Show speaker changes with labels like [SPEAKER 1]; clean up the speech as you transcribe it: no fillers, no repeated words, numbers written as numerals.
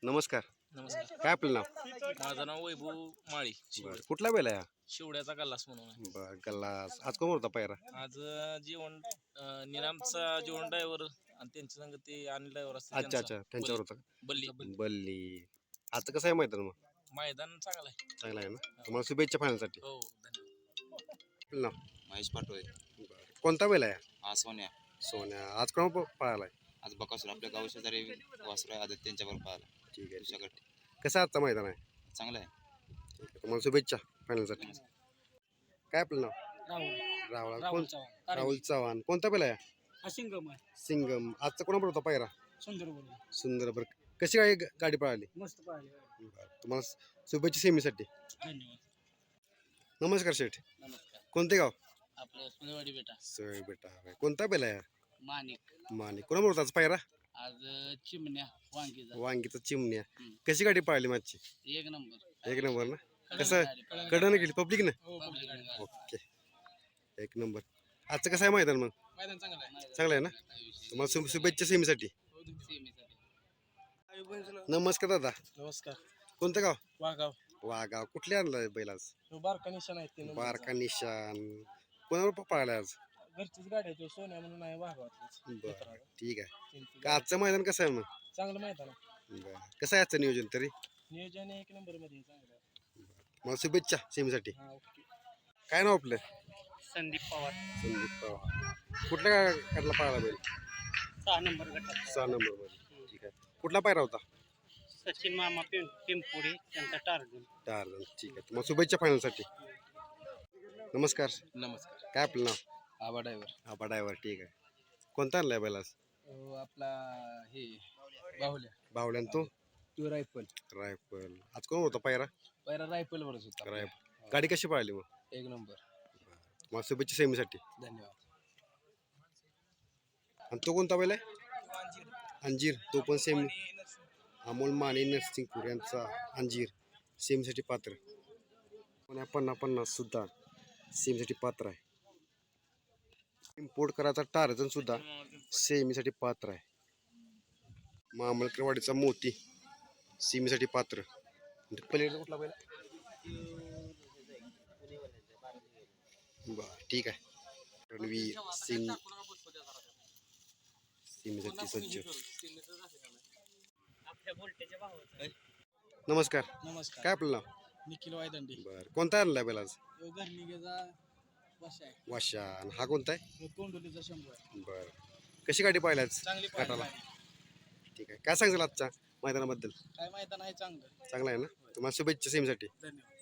[SPEAKER 1] नमस्कार.
[SPEAKER 2] नमस्कार.
[SPEAKER 1] काय आपलं नाव?
[SPEAKER 2] माझं नाव वैभव माळी.
[SPEAKER 1] बरं. कुठला बैल आहे हा?
[SPEAKER 2] शिवड्याचा गल्लास म्हणून आहे.
[SPEAKER 1] बरं. गल्लास. आज कोण होता पायरा?
[SPEAKER 2] आज जेवण निनामचा जेवण ड्रायव्हर आणि त्यांच्या संग ते अनिल ड्रायव्हर असते
[SPEAKER 1] अच्छा अच्छा त्यांच्यावर होता का?
[SPEAKER 2] बल्ली
[SPEAKER 1] बल्ली. आजचं कसं आहे मैदान मग?
[SPEAKER 2] मैदान चांगलं आहे.
[SPEAKER 1] चांगला आहे ना? तुम्हाला शुभेच्छा फायनलसाठी.
[SPEAKER 2] हो धन्यवाद.
[SPEAKER 1] आपलं नाव?
[SPEAKER 3] महेश पाटोळे.
[SPEAKER 1] बरं. कोणता बैल आहे?
[SPEAKER 3] हा सोन्या.
[SPEAKER 1] सोन्या. आज कोण पळालाय?
[SPEAKER 3] आज बकासूर आपल्या गाव शेजारी वासरू आहे आदत त्यांच्यावर पाहिला.
[SPEAKER 1] ठीक आहे.
[SPEAKER 3] तुझ्याकडे
[SPEAKER 1] कसं आजचं मैदान आहे?
[SPEAKER 3] चांगलं आहे.
[SPEAKER 1] ठीक आहे. तुम्हाला शुभेच्छा फायनलसाठी. काय आपलं नाव?
[SPEAKER 2] राहुल
[SPEAKER 1] राहुल कोण? राहुल चव्हाण. कोणता बैल आहे?
[SPEAKER 2] सिंगम आहे.
[SPEAKER 1] सिंगम. आजचा कोणाबरोबर होता पायरा?
[SPEAKER 2] सुंदर बोल
[SPEAKER 1] सुंदर. बरं. कशी गाडी पळाली?
[SPEAKER 2] मस्त पाहिजे.
[SPEAKER 1] बरं. तुम्हाला शुभेच्छा सेमीसाठी.
[SPEAKER 2] धन्यवाद.
[SPEAKER 1] नमस्कार शेठ.
[SPEAKER 2] नमस्कार.
[SPEAKER 1] कोणते गाव?
[SPEAKER 2] आपलं सुनेवाडी बेटा
[SPEAKER 1] सोय बेटा. कोणता बैल आहे?
[SPEAKER 2] मानिक.
[SPEAKER 1] मानिक. कोणाबरोबर होता आज पायरा?
[SPEAKER 2] आज चिमण्या वांगीचा
[SPEAKER 1] वांगीचा चिमण्या. कशी गाडी पळाली माझी?
[SPEAKER 2] एक नंबर.
[SPEAKER 1] एक नंबर ना? कसं कडनं गेली पब्लिक ना? ओके. एक नंबर. आजचं कसं आहे मैदान मग?
[SPEAKER 2] मैदान चांगलं आहे.
[SPEAKER 1] चांगलं आहे ना? तुम्हाला शुभेच्छा सेमीसाठी. नमस्कार दादा.
[SPEAKER 2] नमस्कार.
[SPEAKER 1] कोणतं गाव?
[SPEAKER 2] वाघाव.
[SPEAKER 1] वागाव. कुठले आणलं बैल आज?
[SPEAKER 2] बारका निशाण आहे ते
[SPEAKER 1] बारका निशान. कोणावर पळाला आज?
[SPEAKER 2] घरचीच गाडी आहे तो सोन्या म्हणून आहे वाघावातलीच.
[SPEAKER 1] बरं. ठीक आहे. का आजचं मैदान कसं आहे मग?
[SPEAKER 2] चांगलं माहिती आहे ना.
[SPEAKER 1] बरं. कसं आहे आजचं नियोजन तरी?
[SPEAKER 2] नियोजन एक नंबर मध्ये चांगलं आहे.
[SPEAKER 1] मला शुभेच्छा सेमीसाठी.
[SPEAKER 2] हा ओके.
[SPEAKER 1] काय नाव आपलं?
[SPEAKER 2] संदीप पवार.
[SPEAKER 1] संदीप पवार. कुठल्या गाडला पळाला बैल?
[SPEAKER 2] 6 नंबर गटात.
[SPEAKER 1] 6 नंबर मध्ये. ठीक आहे. कुठला पायरा होता?
[SPEAKER 2] सचिन मामा पिंपुडी त्यांचा टार्गेट.
[SPEAKER 1] टार्झन. ठीक आहे. मग शुभेच्छा फायनलसाठी. नमस्कार.
[SPEAKER 2] नमस्कार.
[SPEAKER 1] काय आपलं नाव?
[SPEAKER 2] आबा ड्रायव्हर.
[SPEAKER 1] आबा ड्रायव्हर. ठीक आहे. कोणता आणलाय बैल आज?
[SPEAKER 2] आपला हे बाहुल्या.
[SPEAKER 1] बावल्यान तो?
[SPEAKER 2] तो रायफल.
[SPEAKER 1] रायफल. आज कोण होता पायरा?
[SPEAKER 2] पहिला रायफल वरच होता.
[SPEAKER 1] रायफल. गाडी कशी पळाली मग?
[SPEAKER 2] एक नंबर.
[SPEAKER 1] मला शुभेच्छा सेमीसाठी.
[SPEAKER 2] धन्यवाद.
[SPEAKER 1] आणि तो कोणता बैल आहे? अंजीर. तो पण सेमी. अमोल माने नरसिंगपूर यांचा अंजीर सेमीसाठी पात्र. 50-50 सुद्धा सेमीसाठी पात्र आहे. इम्पोर्ट करायचा टार्झन सुद्धा सेमीसाठी पात्र आहे. मामलकरवाडीचा मोती सेमीसाठी पात्र. पलीकडचा कुठला बैल? बर. ठीक आहे. रणवीर सिंग सेमीसाठी सज्ज. नमस्कार.
[SPEAKER 2] नमस्कार.
[SPEAKER 1] काय आपलं नाव?
[SPEAKER 2] निखिल वायदंडी.
[SPEAKER 1] बर. कोणता आणलाय बैल आज?
[SPEAKER 2] घरनिगेचा वशा आहे.
[SPEAKER 1] वाशा. आणि हा कोणता आहे?
[SPEAKER 2] कोंडोलीचा शंभू आहे.
[SPEAKER 1] बर. कशी गाडी पाहिली आज?
[SPEAKER 2] चांगली
[SPEAKER 1] गटाला. ठीक आहे. काय सांगाल आजच्या मैदानाबद्दल?
[SPEAKER 2] काय मैदान आहे चांगलं.
[SPEAKER 1] चांगला आहे ना? तुम्हाला शुभेच्छा सेमीसाठी.
[SPEAKER 2] धन्यवाद.